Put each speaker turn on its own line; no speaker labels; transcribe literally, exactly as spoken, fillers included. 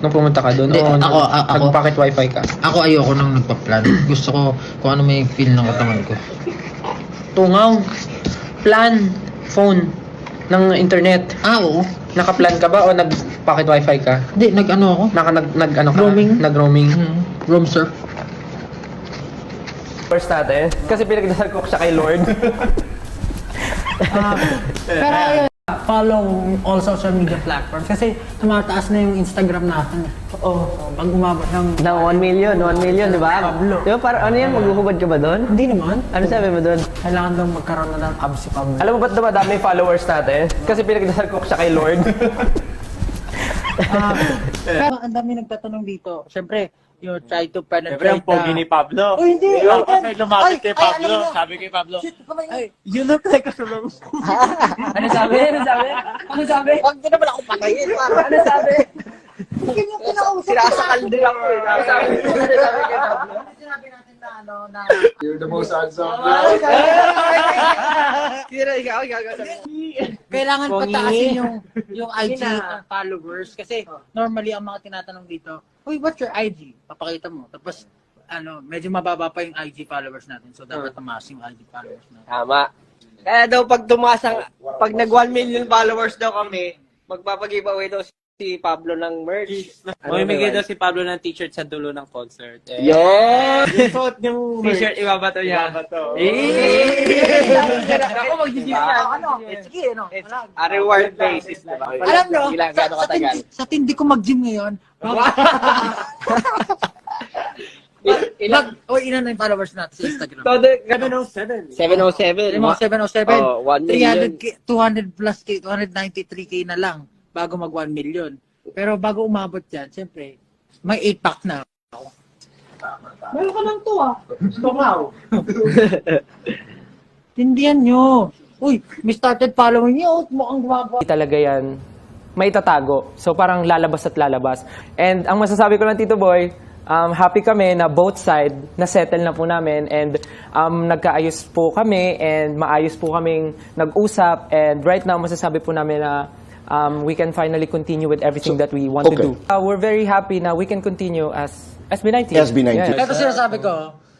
nung pumunta ka doon?
Hindi,
O
ako-
nag-
a- ako-
nag-pocket wifi ka?
Ako ayoko nang nagpa-plan. Gusto ko kung ano may feel ng katawan ko.
Tungaw. Plan. Phone. Ng internet.
Ah, oo.
Naka-plan ka ba o nag-pocket wifi ka?
Hindi, nag-ano ako.
Naka nag, nag ano ka?
Roaming.
Nag-roaming.
Hmm. Room surf.
First natin. Kasi pinagdasal ko siya kay Lord.
Ah, pero ayun, follow all social media platforms kasi tumataas na yung Instagram natin. Oo. Oh, pag umabot ng...
Ng one million, one million, di ba?
Pablo.
Di ba, parang ano yan, maghuhubad ka ba doon?
Hindi naman.
Ano sabi mo doon?
Kailangan daw magkaroon na ng abs si Pablo.
Alam mo ba't dumadami yung followers natin? Kasi pinagdasal ko siya kay Lord.
Ah, pero ang dami nagtatanong dito. Siyempre, you try to penetrate
Siyempre, ang pogi ni Pablo.
Oh, hindi.
Di ba?
Ay,
Kasi lumapit
ay,
kay
ay,
Pablo.
ano yun?
Sabi kay Pablo,
Ay, you look like a swimming pool. Ano sabi? Ano sabi? Ano sabi? Huwag din naman ako patayin. Ano sabi? Sinasakal din ako eh. Ano sabi? Ano sabi kay Pablo? Sinabi natin na ano na...
You're the most handsome.
Kira, ikaw, ikaw, ikaw. Kailangan pataasin yung yung I G ng followers kasi normally ang mga tinatanong dito, "Uy, what's your I G?" Papakita mo. Tapos ano, medyo mababa pa yung I G followers natin. So dapat tumaas yung I G followers natin.
Tama. Kaya daw pag tumaas ang, pag nag one million followers daw kami, magpapag-giveaway daw si Pablo ng merch.
ano, mamimigay daw si Pablo ng t-shirt sa dulo ng concert. Eh,
Yun!
yung suot yung
T-shirt, ibabato niya.
Ibabato.
Ako mag-G G ano? Sige, ano?
It's a reward basis, diba?
Alam nyo,
Ilang
sa,
gano'ng
sa,
katagal.
tindi, sa tindi ko mag-gym ngayon,
Ilang?
mag, o ilan na yung followers natin sa Instagram?
Todo,
seven oh seven.
seven oh seven.
Yung mga seven oh seven,
Oh, one
three hundred
million.
K, two hundred plus K, two hundred ninety-three K na lang bago mag one million. Pero bago umabot yan, siyempre, may eight pack na ako. Meron ka lang to ah. Tungaw. Tindihan nyo. Uy, may started following nyo. Mukhang gumagawa.
Talaga yan, may tatago. So parang lalabas at lalabas. And ang masasabi ko lang, Tito Boy, um, happy kami na both side na-settle na po namin and um, nagkaayos po kami and maayos po kaming nag-usap and right now masasabi po namin na um, we can finally continue with everything that we want
okay.
to do. Uh, we're very happy na we can continue as S B nineteen.
S B nineteen.
Yeah.
Ito sinasabi ko,